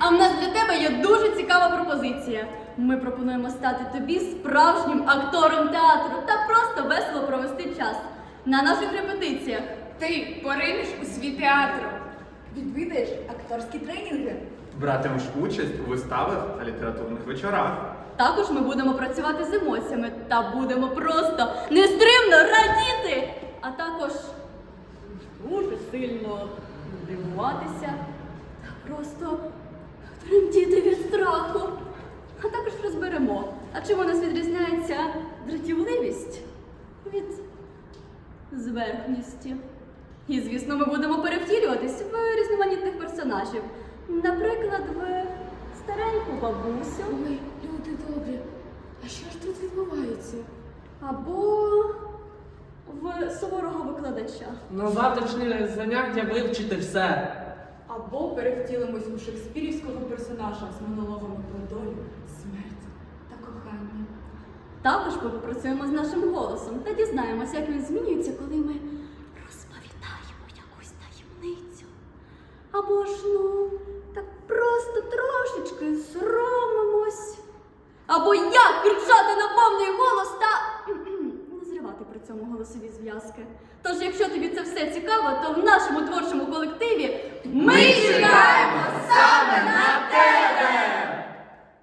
А в нас для тебе є дуже цікава пропозиція. Ми пропонуємо стати тобі справжнім актором театру та просто весело провести час на наших репетиціях. Ти поринеш у світ театру. Відвідаєш акторські тренінги. Братимеш участь у виставах та літературних вечорах. Також ми будемо працювати з емоціями та будемо просто нестримно радіти, а також дуже сильно дивуватися та просто тремтіти від страху. А також розберемо, а чим у нас відрізняється дратівливість від зверхністі. І, звісно, ми будемо перевтілюватись в різноманітних персонажів. Наприклад, в стареньку бабусю. Ой, люди добрі, а що ж тут відбувається? Або в суворого викладача. На завтрашнє заняття вивчити все. Або перевтілимось у шекспірівського персонажа з монологами про долю, смерть та кохання. Також ми попрацюємо з нашим голосом та дізнаємося, як він змінюється, коли ми розповідаємо якусь таємницю. Або ж, так просто трошечки соромимось. Або як кричати на повний голос та не зривати при цьому голосові зв'язки. Тож, якщо тобі це все цікаво, то в нашому творчому колективі ми чекаємо саме на тебе!